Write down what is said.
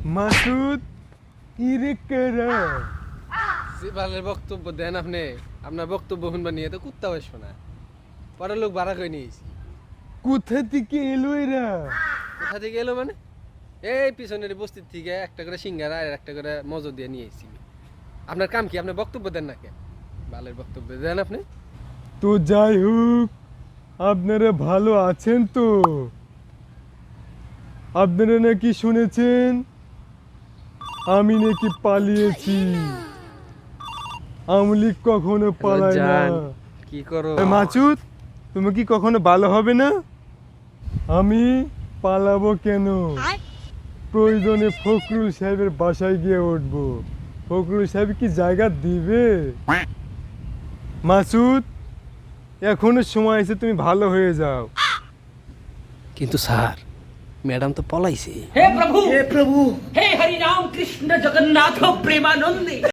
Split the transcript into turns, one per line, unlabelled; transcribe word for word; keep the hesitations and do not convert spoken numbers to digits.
মাসুদ ইরেকেরা
সিবালের বক্তব্য দেন আপনি। আপনার বক্তব্য শুনবা নিয়ে তো কুত্তা বসবো না। পরের লোক ভাড়া করে নিয়েছি।
কোথা থেকে এলো এরা?
কোথা থেকে এলো মানে? এই পিছনের বস্তির থেকে একটা করে সিঙ্গারা আর একটা করে মজো দিয়ে নিয়ে এসেছি। আপনার কাম কি? আপনি বক্তব্য দেন না কেন? বালের বক্তব্য দেন আপনি।
তো যাই হোক, আপনারা ভালো আছেন তো? আপনারা নাকি শুনেছেন আমি নাকি পালিয়েছি? আমলি কখনো পালায় না।
জান, কি করো?
এ মাসুদ, তুমি কি কখনো ভালো হবে না? আমি পালাবো কেন? প্রয়োজনে ফখরুল সাহেবের বাসায় গিয়ে উঠবো। ফখরুল সাহেব কি জায়গা দিবে? মাসুদ, এখনো সময় আছে, তুমি ভালো হয়ে যাও।
কিন্তু স্যার, ম্যাডাম তো পলাইছে।
हे प्रभु हे प्रभु हे हरि राम कृष्ण जगन्नाथ प्रेमानंदी।